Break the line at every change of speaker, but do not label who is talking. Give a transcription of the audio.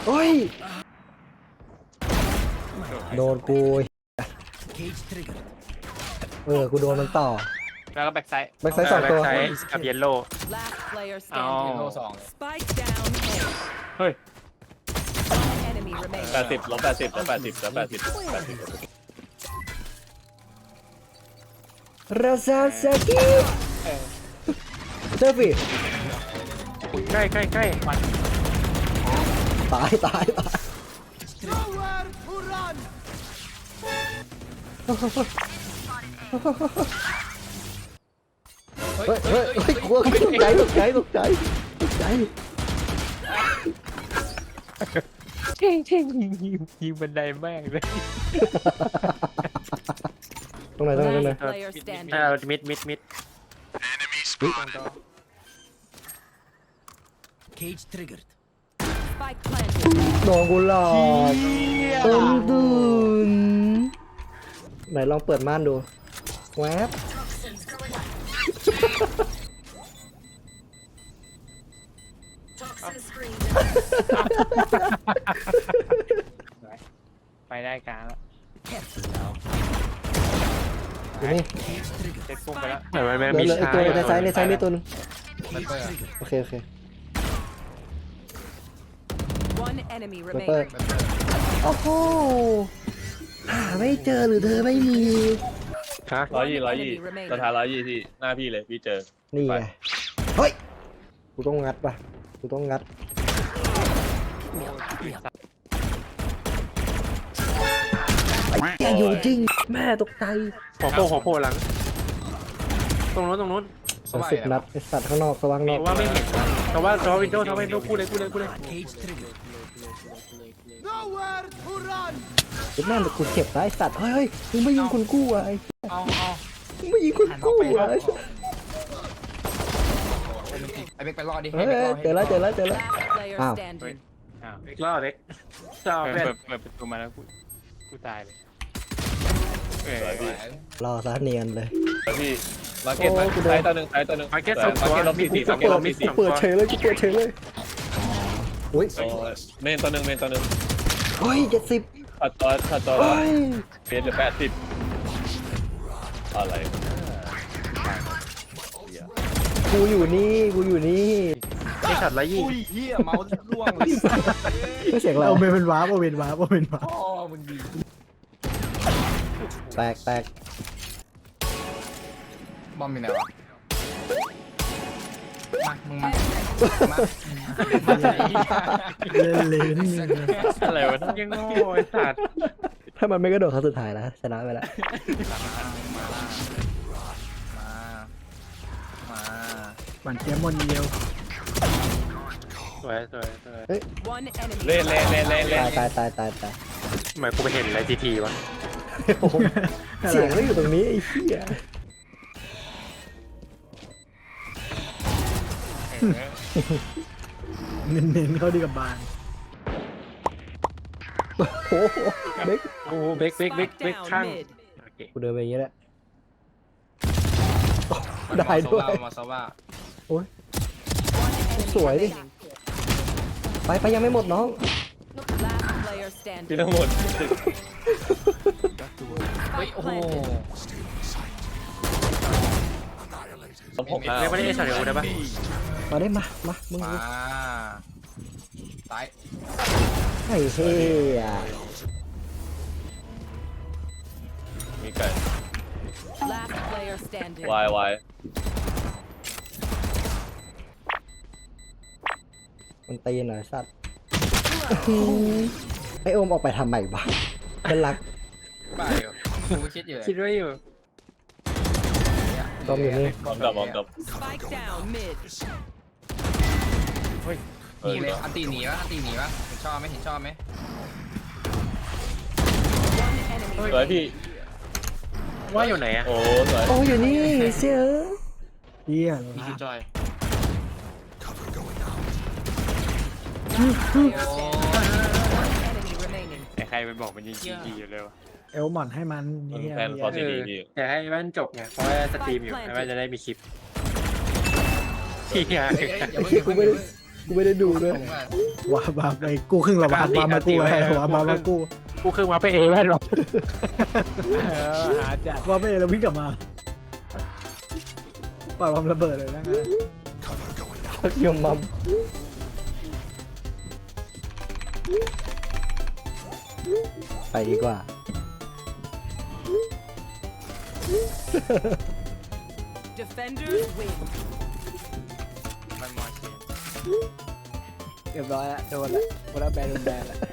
โอ้ยโดนกูกูโดนมันต่อ
แล้วก็แบ็กไซด์
แบ็กไซด์สองตัว
แบ็กไซด์กับเยลโล่
Last player
เอา
standing.
โลสอง
Spike down. A.
เฮ้ย
Enemy remaining.
80 ลบ 80 ลบ 80 ลบ 80
ราซาซากิเซอร์ฟี่
ใกล้ใกล้ใกล้มัน
ตายตายตายเฮ้ยเฮ้ยเฮ้ยกลัวตกใจตกใจตกใจตกใจ
เท่งเท่งยิงบันไดแม่งเลย
ตรงไหนตรงไหนตรงไหน
Last player standing.
มิดมิดมิด
Cage triggered.
Spike planted.
โดนกูหลอกตุนตุนไหนลองเปิดม่านดูแวบ
ไปได้กลางแล้ว
อยู่นี่
เซ็ตฟุ้งไปแล้ว
เหลืออีกตัวในซ้ายในซ้ายนี่ตัวนึง
มันเปิด
โอเคโอเค
One enemy
เปิด
remaining.
โอ้โหหาไม่เจอหรือเธอไม่มี
ฮะ
120 120สถาน120ที่หน้าพี่เลยพี่เจอ
นี่ไงเฮ้ยกูต้องงัดป่ะกูต้องงัดอย่าอยู่จริงแม่ตกใจ
หัวโผล่หลังตรงนู้นตรงนู้น
10 นัดไอสัตว์ข้างนอกสว่างนอก
ว่าไม่เห็นแต่ว่าวินโดว์กูเลย
Cage triggered.
ไอ้แม่งกูเจ็บนะไอสัตว์เฮ้ยมึงไม่ยิงคนกู้อ่ะไอ้
เอาเอา
มึงไม่ยิงคนกู้อ่ะไอ้
ไอ้เบกไปรอดิ
เฮ้ยเจอแล้ว
Last player
Ow.
standing.
อ้าวอีกรอบเล็กเปิดประตูมาแล้วกูตายเลยเออ
รอซะเนียนเลย
พี่มาเก็ตซ้ายตัวหนึ่งซ้ายตัวหนึ่ง
มาเก็ตสองตัว
มาเก็ตลบ
มี
สี่
ส
มา
อง
เก็ต
ตัว
ลบ
มี
สี่
กูเปิดเฉยเลยกูเปิดเฉยเลยอุ้ย
เมนตัวหนึ่งเมนตัวหนึ่ง
เฮ้ย70
ขัดตัว
เฮ้ย
เปลี่ยนเหลือ80อะไร
กูอยู่นี่
นี่ช็อตละยี่
อุ้ยเหี้ยเมาส์ล่วงเลย
ไม่เสียงเรา
เอาเป็นวาร์ปเอาเป็นวาร์ปเอาเป็นวาร์ป
พ่อมึงดี
แตก
บอมอยู่ไหนวะมามึงมา
เล่นๆนี่
อะไรวะยังโง่ไอ้สัตว์
ถ้ามันไม่กระโดดครั้งสุดท้ายนะชนะไปแล้ว
หวานเจี๊ยบมนเดียว
สวย
One enemy.
เล่น
ตาย
ทำไมกูไปเห็นอะไรทีวะ
โอ้โหเสียงก็อยู่ตรงนี้ไอ้เหี้ย
เน้นๆเข้าดีกับบาน
โอ้โหเบค
โอ้เบก
Spike
ข้าง
down mid.
กูเดินไปอย่างนี้แหละได้ด้วย
มาซาว่า
โอ้ย
One enemy
Sủa đi.
remaining.
ไปยังไม่หมดน้อง
Last player
พี่
standing.
ทั้งหมด
Spike planted.
ผม
ไม่ได้ช็อตเดียวได้ปะ
มาได้มามึง
มาตาย
ไอ้เหี้ย
มีไก่
Last player standing.
วาย
มันตีหน่อยสัตว์ไอโอมออกไปทำใหม่บ้าเป็นรัก
ไปกูคิดอยู่
คิดไว้อยู่
ต้อมอยู่นี่
มองกับ
Spike down mid.
หนีเลยอันตีหนีวะเห็นชอบไหม
One enemy
สวยพี่
ว่าอยู่ไหนอะ
โอ้สวย
โอ้อยู่นี่เสีย
เหี้ย
พี่ชื่อจอย
enemy remaining.
ใครไปบอกมันยิงจีอยู่เลยวะ
เอลหมอนให้มัน
มัน
เหี้ย
แฟนพอซีดีพี่
อยากให้มันจบไงเพราะว่าสตรีมอยู่แล้วจะได้มีคลิปที่
กูไม่ได้กูไม่ได้ดูด้วย
ผมว่า
ว้าบาไปกูครึ่งละวาบามากูไอ้วาบามากู
กูเครื่องมาไปเอแม่หรอหาจัด
ว่าไปแล้ววิ่งกลับมาปล่อยความระเบิดเลยนะงั้น
ยมมัมไปดีกว่า
Defenders win.
มันมอเชน
เรียบร้อยแล้วโดนแล้วโดนแล้วแบนโดนแบนแล้ว